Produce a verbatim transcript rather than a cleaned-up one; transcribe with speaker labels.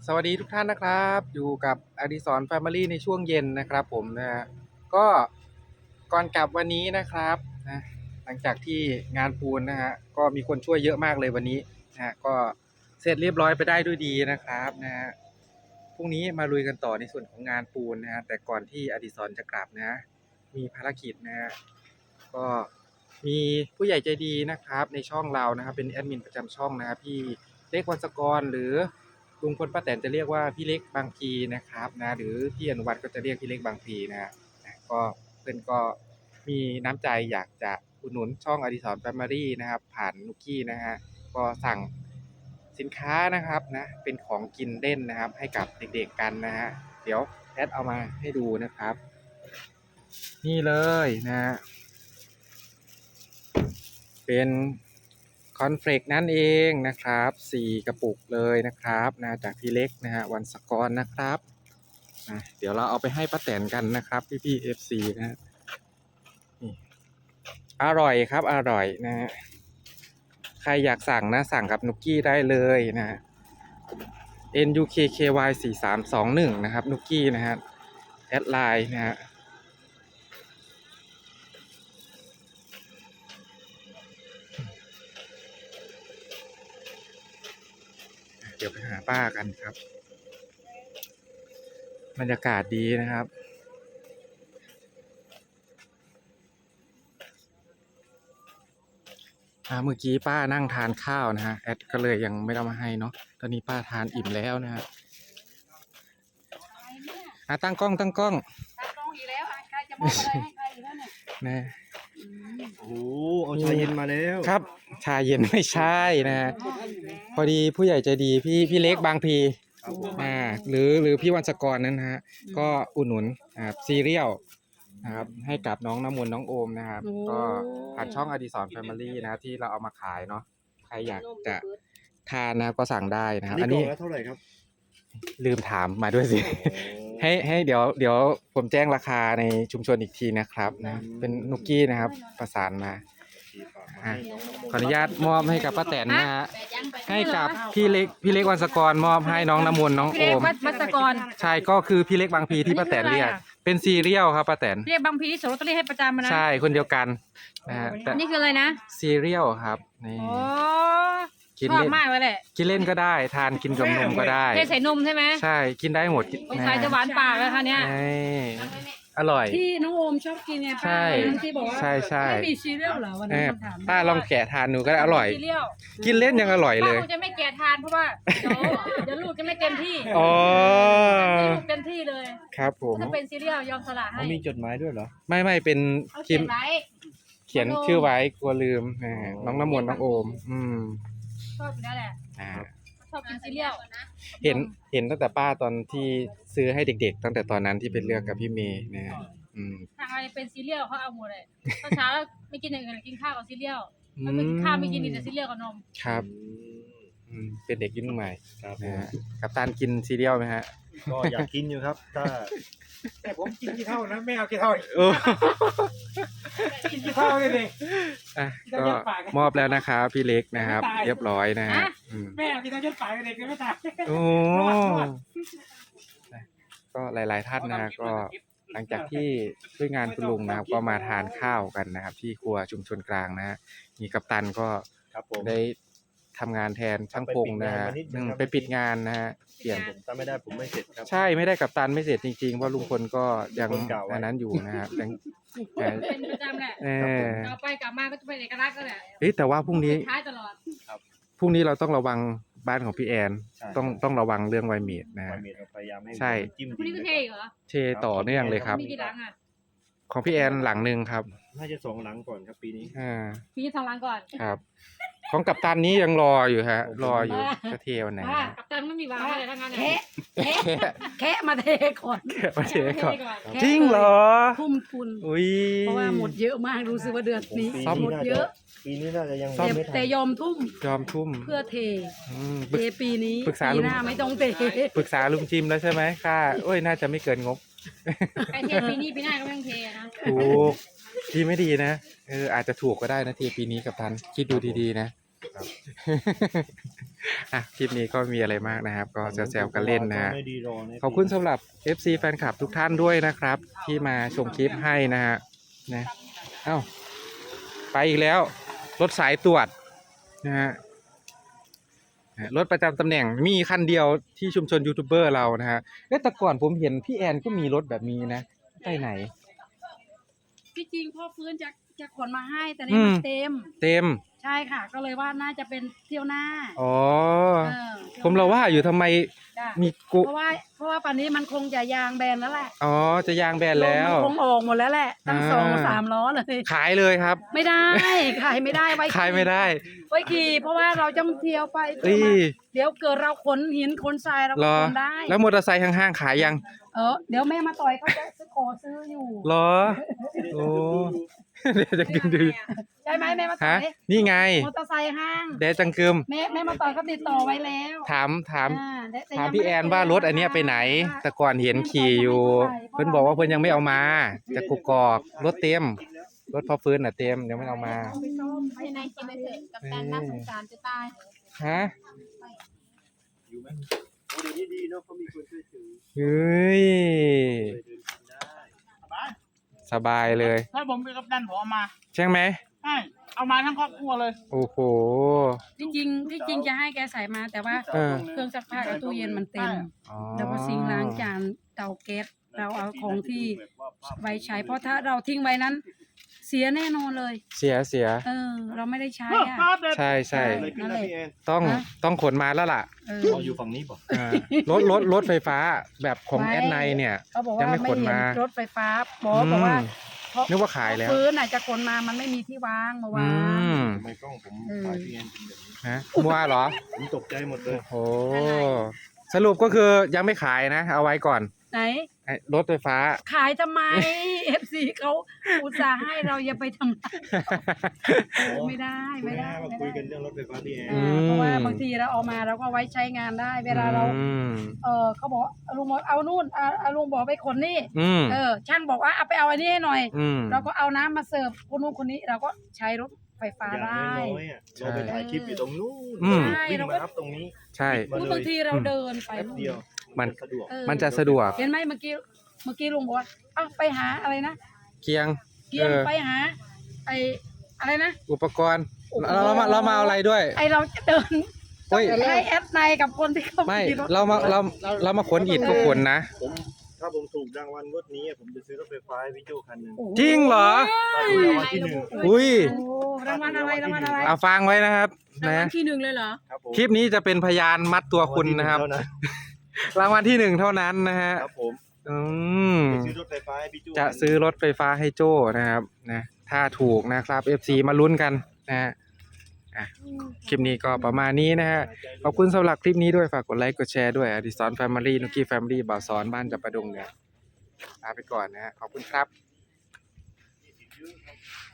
Speaker 1: สวัสดีทุกท่านนะครับอยู่กับอดิศรแฟมิลี่ในช่วงเย็นนะครับผมนะฮะก็ก่อนกลับวันนี้นะครับนะหลังจากที่งานปูนนะฮะก็มีคนช่วยเยอะมากเลยวันนี้นะฮะก็เสร็จเรียบร้อยไปได้ด้วยดีนะครับนะฮะพรุ่งนี้มาลุยกันต่อในส่วนของงานปูนนะฮะแต่ก่อนที่อดิศรจะกลับนะมีภารกิจนะฮะก็มีผู้ใหญ่ใจดีนะครับในช่องเรานะครับเป็นแอดมินประจำช่องนะครับพี่เล็กวันศกรหรือลุงพลป้าแตนจะเรียกว่าพี่เล็กบางพีนะครับนะหรือพี่อนุวัฒน์ก็จะเรียกพี่เล็กบางพีนะฮะก็เพื่อนก็มีน้ำใจอยากจะอุดหนุนช่องอดิศรแฟมิลี่นะครับผ่านนุกกี้นะฮะก็สั่งสินค้านะครับนะเป็นของกินเล่นนะครับให้กับเด็กๆกันนะฮะเดี๋ยวแอดเอามาให้ดูนะครับนี่เลยนะฮะเป็นคอนเฟลกนั่นเองนะครับสี่กระปุกเลยนะครับนะจากพี่เล็กนะฮะวันศกรนะครับนะเดี๋ยวเราเอาไปให้ป้าแตนกันนะครับพี่พี่ เอฟ ซี นะฮะนี่อร่อยครับอร่อยนะฮะใครอยากสั่งนะสั่งกับนุกกี้ได้เลยนะฮะ เอ็น ยู เค เค วาย สี่สามสองหนึ่งนะครับนุกกี้นะฮะแอดไลน์นะฮะเดี๋ยวไปหาป้ากันครับบรรยากาศดีนะครับเมื่อกี้ป้านั่งทานข้าวนะฮะแอดก็เลยยังไม่ได้มาให้เนาะตอนนี้ป้าทานอิ่มแล้วนะฮะอ่ะตั้งกล้องตั้งกล้อง
Speaker 2: ตั้งกล้องอีกแล้วใครจะมอบอะไรให้ใครอีกแล้วเนี่ย
Speaker 1: นะ
Speaker 3: โอ้เอาชาเย็นมาแล้ว
Speaker 1: ครับชาเย็นไม่ใช่นะฮะพอดีผู้ใหญ่ใจดีพี่พี่เล็กบางพีอ่าหรือหรือพี่วันศกรนั้นนะฮะก็อุดหนุนอ่าซีเรียลนะครับให้กับน้องน้ำมนต์น้องโอมนะครับก็ผ่านช่องอดิศรแฟมิลี่นะที่เราเอามาขายเนาะใครอยากจะทานนะก็สั่งได้นะครับอันนี้
Speaker 3: เท่าไหร่ครับ
Speaker 1: ลืมถามมาด้วยสิให้ให้เดี๋ยวเดี๋ยวผมแจ้งราคาในชุมชนอีกทีนะครับนะเป็นนุกกี้นะครับประสานมาขออนุญาตมอบให้กับป้าแตนนะฮะให้กับพี่เล็กพี่เล็กวันศกรมอบให้น้องน้ำมนต์น้องโอม
Speaker 2: วัศกร
Speaker 1: ใช่ก็คือพี่เล็กบางพีที่ป้าแตนเรียกเป็นซีเรียลครับป้าแตน
Speaker 2: เรียกบางพีที่โสตรีให้ประจำมานะ
Speaker 1: ใช่คนเดียวกันนะฮะ
Speaker 2: นี่คืออะไรนะ
Speaker 1: ซีเรียลครับนี่
Speaker 2: ชอบมากเลยแหละ
Speaker 1: กินเล่นก็ได้ทานกินกับนมก็ได้
Speaker 2: เทใส่นมใช่ไหม
Speaker 1: ใช่กินได้หมด
Speaker 2: สงสัยจะหวานปากแล้วค่ะเนี้ย
Speaker 1: อร่อย
Speaker 2: ที่น้องโอมชอบกินไงป้าที่บอกว่า
Speaker 1: ใช่ใช่
Speaker 2: ไม่มีซีเรียลเหรอวันนั้นถาม
Speaker 1: ป้าลองแกะทานดูก็ได้อร่อยกินเล่นยังอร่อยเลย
Speaker 2: ป้าจะไม่แกะทานเพราะว่าเดี๋ยวเดี๋ยวลูกจะไม่เต็มที่
Speaker 1: อ๋อ
Speaker 2: ลูกเต็มที่เลย
Speaker 1: ครับผม
Speaker 2: ถ้าเป็นซีเรียลยอมสละให้
Speaker 3: มีจดหมายด้วยเหรอ
Speaker 1: ไม่ไม่เป็น
Speaker 2: เขียนไว้
Speaker 1: เขียนชื่อไว้กลัวลืมน้องน้ำมนต์น้องโอมอืม
Speaker 2: ชอบอยู่แล้วแหละชอบกินซีเรียล
Speaker 1: เห็นเห็นตั้งแต่ป้าตอนที่ซื้อให้เด็กๆตั้งแต่ตอนนั้นที่เป็นเรื่องกับพี่เมย์นะฮะ
Speaker 2: ทางอะไรเป็นซีเรียลเขาเอาหมดเลยตอนเช้าไม่กินอย่างอื่นกินข้าวกับซีเรียลถ้าไม่กินข้าวไม่กินแต่ซีเรียลกับนม
Speaker 1: ครับเป็นเด็กยุ่งใหม่ครับนะฮะกับตานกินซีเรียลไหมฮะ
Speaker 3: ก็อยากกินอยู่ครับถ้า
Speaker 4: แต่ผมกินกี่เท่านะไม่เอากี่เท่ากินกี่เท่าเลยดิ
Speaker 1: ก็มอบแล้วนะครับพี่เล็กนะครับเรียบร้อยนะฮะ
Speaker 4: แม่เอากี่เท่าจนตายเด็กไม่ตาย
Speaker 1: โอ้ก็หลายๆท่านนะก็หลังจากที่ช่วยงานคุณลุงนะครับก็มาทานข้าวกันนะครับที่ครัวชุมชนกลางนะฮะมีกัปตันก็ได้ทำงานแทนช่างปงนะฮะไปปิดงานนะฮะ
Speaker 3: เปลี่ยนผมถ้าไม่ได้ผมไม่เสร็จครับ
Speaker 1: ใช่ไม่ได้กัปตันไม่เสร็จจริงๆเพราะลุงพลก็ยังอันนั้นอยู่นะฮะยัง
Speaker 2: เป็นประจำแหละเอาไปกลับมาก็จะเป็นเอกลักษณ์ก็แหละ
Speaker 1: เฮ้ยแต่ว่าพรุ่งนี้
Speaker 2: ท้ายตลอด
Speaker 1: พรุ่งนี้เราต้องระวังบ้านของพี่แอนต้องต้องระวังเรื่องไวเมดนะฮะใช่
Speaker 2: พรุ่งนี้ก็เทเหรอ
Speaker 1: เทต่อเนื่องเลยครับของพี่แอนหลังหนึ่งครับ
Speaker 3: น่าจะสองหลังก่อนครับปีนี้
Speaker 1: อ่า
Speaker 2: ปีนี้สองหลังก่อน
Speaker 1: ครับของกัปตันนี้ยังรออยู่ฮะรออยู่จะเทวันไหน
Speaker 2: กัปตันไม่มีวางอะไรทั้งนั้นแค่แค่มาเทก่อน
Speaker 1: แค่มาเทก่อนจริงเหรอ
Speaker 2: ทุ่มทุน
Speaker 1: อุ้ย
Speaker 2: เพราะว่าหมดเยอะมากรู้สึกว่าเดือนนี้หมดเยอะ
Speaker 3: ปีนี้น่าจะยัง
Speaker 2: แต่ยอมทุ่ม
Speaker 1: ยอมทุ่ม
Speaker 2: เพื่อเทเทปีนี้ปีหน้าไม่ต้องเท
Speaker 1: ปรึกษาลุงจิมแล้วใช่ไหมค่าโอ้ยน่าจะไม่เกินงบ
Speaker 2: ไอเทปีนี้ปีหน้าก็ไม่ต้องเทนะ
Speaker 1: ถูกทีไม่ดีนะเอออาจจะถูกก็ได้นะทีปีนี้กับทันคิดดูดีๆนะอ่ะคลิปนี้ก็มีอะไรมากนะครับ ก็แซวๆกันเล่นนะฮะ
Speaker 3: ไม่ดีรอนะ
Speaker 1: ขอบคุณสำหรับ เอฟ ซี แฟนคลับทุกท่านด้วยนะครับ ที่มาชมคลิปให้นะฮะนะเอ้าไปอีกแล้ว รถสายตรวจนะฮะรถประจำตำแหน่งมีคันเดียวที่ชุมชนยูทูบเบอร์เรานะฮะเอ๊ะแต่ก่อนผมเห็นพี่แอนก็มีรถแบบนี้นะไปไหน
Speaker 2: ที่จริงพ่อฟื้นจะจะขนมาให้แต่
Speaker 1: อื
Speaker 2: นี่
Speaker 1: ม
Speaker 2: มันเต็ม
Speaker 1: เต็ม
Speaker 2: ใช่ค่ะ ก็เลยว่าน่าจะเป็นเที่ยวหน้า
Speaker 1: อ๋อ
Speaker 2: เออ
Speaker 1: ผมเราว่าอยู่ทำไม
Speaker 2: จ้ะ
Speaker 1: มีกุ
Speaker 2: เพราะว่าเพราะว่าป่านนี้มันคงจะยางแบนแล้วแหละ
Speaker 1: อ๋อจะยางแบนแล้ว
Speaker 2: ลมมันคงออกหมดแล้วแหละตั้ง
Speaker 1: อ่า
Speaker 2: สองสามล้อเลย
Speaker 1: ขายเลยครับ
Speaker 2: ไม่ได้ขายไม่ได้ไว้
Speaker 1: ขายไม่ได้
Speaker 2: ไว้ขี่เพราะว่าเราต้องเที่ยวไป
Speaker 1: เอ้ย
Speaker 2: เดี๋ยวเกิดเราขนหินขนทรายเรา
Speaker 1: เหร
Speaker 2: ก็
Speaker 1: อ
Speaker 2: ขนได้
Speaker 1: แล้วมอเตอร์ไซค์ข้างๆขายยัง
Speaker 2: เออเดี๋ยวแม่มาต่อยเขาจะซื้อขอซื้ออยู่
Speaker 1: เหรอ โอ้เดี๋ยวจะกินดู
Speaker 2: ใช่ไหมแม่มาต่
Speaker 1: ฮะ
Speaker 2: อย
Speaker 1: นี่ไง
Speaker 2: มอเตอร์ไซค์ห้าง
Speaker 1: เดจังกึม
Speaker 2: แม่แม่มาต่อยเขาติดต่อไว้แล้ว
Speaker 1: ถามถาม
Speaker 2: อ่แต่แต่
Speaker 1: ถาม
Speaker 2: ยัง
Speaker 1: พี่
Speaker 2: ไได้
Speaker 1: แอนว่ารถอันเนี้ยไปไหน แต่ก่อนเห็นขี่อยู่ เพิ่นบอกว่าเพิ่นยังไม่เอามาจากกุกกอกรถเต็ม รถพอฟื้นน่ะเต็มยังไม่เอามา
Speaker 2: ไปซ่อมไปในกินไปเถอะกับการน่าสงสารจะตาย
Speaker 1: ฮะ
Speaker 3: อยู่ไหมโอ้เดี๋ยวนี้ดีเนาะเขามีคนช่วยถือ
Speaker 1: เฮ้ย
Speaker 3: เลยเดินทางได้
Speaker 1: สบายเลย
Speaker 4: ถ้าผมเป็นกัปตันผมเอามา
Speaker 1: ใช่ไหม
Speaker 4: ใช่เอามาทั้งครอบครัวเลย
Speaker 1: โอ้โห
Speaker 2: ที่จริงที่จริงจะให้แกใส่มาแต่ว่า
Speaker 1: เออ
Speaker 2: เครื่องซักผ้ากับตู้เย็นมันเต็ม
Speaker 1: อ๋อ
Speaker 2: แล้วก็ซิงค์ล้างจานเตาแก๊สเราเอาของที่ไว้ใช้ เพราะถ้าเราทิ้งไว้นั้น เสียแน่นอนเลย
Speaker 1: เสียเสีย
Speaker 2: เออ เราไม่ได้ใช้อ่ะ
Speaker 1: ใช่ใช่
Speaker 3: อะไรขึ้นนะพี่แอน
Speaker 1: ต้อง
Speaker 2: ฮะ
Speaker 1: ต้องขนมาแล้วล่ะ
Speaker 2: เออ
Speaker 3: เอาอยู่ฝั่งนี้ป่ะ
Speaker 1: อ่ารถรถรถไฟฟ้าแบบของ
Speaker 2: ไว้
Speaker 1: แอดไนเนี่ย
Speaker 2: เขาบอก
Speaker 1: ยั
Speaker 2: ว่าง
Speaker 1: ไม่
Speaker 2: ไม่
Speaker 1: ขน
Speaker 2: เห็น
Speaker 1: มา
Speaker 2: รถไฟฟ้าบอกบอกว่า
Speaker 1: อืม
Speaker 2: เพราะ
Speaker 1: นึกว่าขายแล้ว
Speaker 2: พื้นน่ะจะขนมามันไม่มีที่วางเมื่อ
Speaker 1: อื
Speaker 2: วาน
Speaker 1: ม
Speaker 3: ทำไมกล้องผมถ่ายพี่แอนเป็นแบบนี้
Speaker 1: ฮะมัวเหรอ
Speaker 3: ผมตกใจหมดเลย
Speaker 1: โอ้โห สรุปก็คือยังไม่ขายนะ เอาไว้ก่อน
Speaker 2: ไหน
Speaker 1: ไอ้รถไฟฟ้า
Speaker 2: ขายทำไม เอฟซีเขาอุตส่าห์ให้เราอย่าไปทำร้ายไม่ได้ไม่ได้
Speaker 3: มา
Speaker 2: ไม่
Speaker 3: คุย
Speaker 2: ได้
Speaker 3: กันเรื่องรถไฟฟ้าพี่แอน
Speaker 2: อ่าเพราะว่าบางทีเราเอามาเราก็ไว้ใช้งานได้ เวลาเรา
Speaker 1: อืม
Speaker 2: เออเขาบอกเอาลุงบอกเอานู่นเอาเอาลุงบอกไปขนนี่
Speaker 1: อืม
Speaker 2: เออ ช่างบอกว่าเอาไปเอาอันนี้ให้หน่อย
Speaker 1: อืม
Speaker 2: เราก็เอาน้ำมาเสิร์ฟคนนู้นคนนี้เราก็ใช้รถไฟฟ้า
Speaker 3: อย่าง
Speaker 2: ได้
Speaker 3: น้อยๆอ่ะเราไปถ่ายคลิปอยู่ตรงนู้น
Speaker 1: อืม
Speaker 3: วิ่งมารับตรงนี้
Speaker 1: ใช่
Speaker 3: มาเลย
Speaker 2: บางทีเราเดินไป
Speaker 3: แป๊บเดียว
Speaker 1: มัน
Speaker 3: สะดวก
Speaker 2: เออ
Speaker 1: มันจะสะดวก
Speaker 2: เห็นไหมเมื่อกี้เมื่อกี้ลุงบอกว่าเอ้าไปหาอะไรนะ
Speaker 1: เคียง
Speaker 2: เกียง
Speaker 1: เออ
Speaker 2: ไปหาไออะไรนะ
Speaker 1: อุปกรณ์
Speaker 2: โอ้โห
Speaker 1: เราเรามาเรามาเอาอะไรด้วย
Speaker 2: ไอเราจะเดิน
Speaker 1: เฮ้ย
Speaker 2: ให้แอดในกับคนที่เขา
Speaker 1: ไม่
Speaker 2: ขี่รถ
Speaker 1: เรามาเราเรามาขนอิฐก็ขนนะ
Speaker 3: ผมถ้าผมถูกรางวัลงวดนี้อะผมจะซื้อรถไฟฟ้าให้พี่โจคันหนึ่ง
Speaker 2: โอ้โ
Speaker 1: จริงเหรอ
Speaker 3: ตอนนี้รางวัลที่หนึ่ง
Speaker 1: อุ้ย
Speaker 2: โอ้รางวัลอะไรรางวัลอะไร
Speaker 1: เอาฟังไว้นะครับ
Speaker 2: รางวั
Speaker 1: นะ
Speaker 2: ลที่หนึ่งเลยเหรอ
Speaker 3: ครับผม
Speaker 1: คลิปนี้จะเป็นพยานมัดตัวคุณนะครับ
Speaker 3: เท่านั้น
Speaker 1: รางวัลที่หนึ่งเท่านั้นนะฮะ
Speaker 3: ครับผม
Speaker 1: อืม
Speaker 3: จะซื้อรถไฟฟ้าให้พี่โจ
Speaker 1: จะซื้อรถไฟฟ้าให้โจ้นะครับนะถ้าถูกนะครับ เอฟ ซี มาลุ้นกันนะฮะอ่ะคลิปนี้ก็ประมาณนี้นะฮะขอบคุณสำหรับคลิปนี้ด้วยฝากกดไลค์กดแชร์ด้วยอดิสรแฟมิลี่นุกกี้แฟมิลี่บ่าวสอนบ้านจับประดงเนี่ยลาไปก่อนนะฮะขอบคุณครับ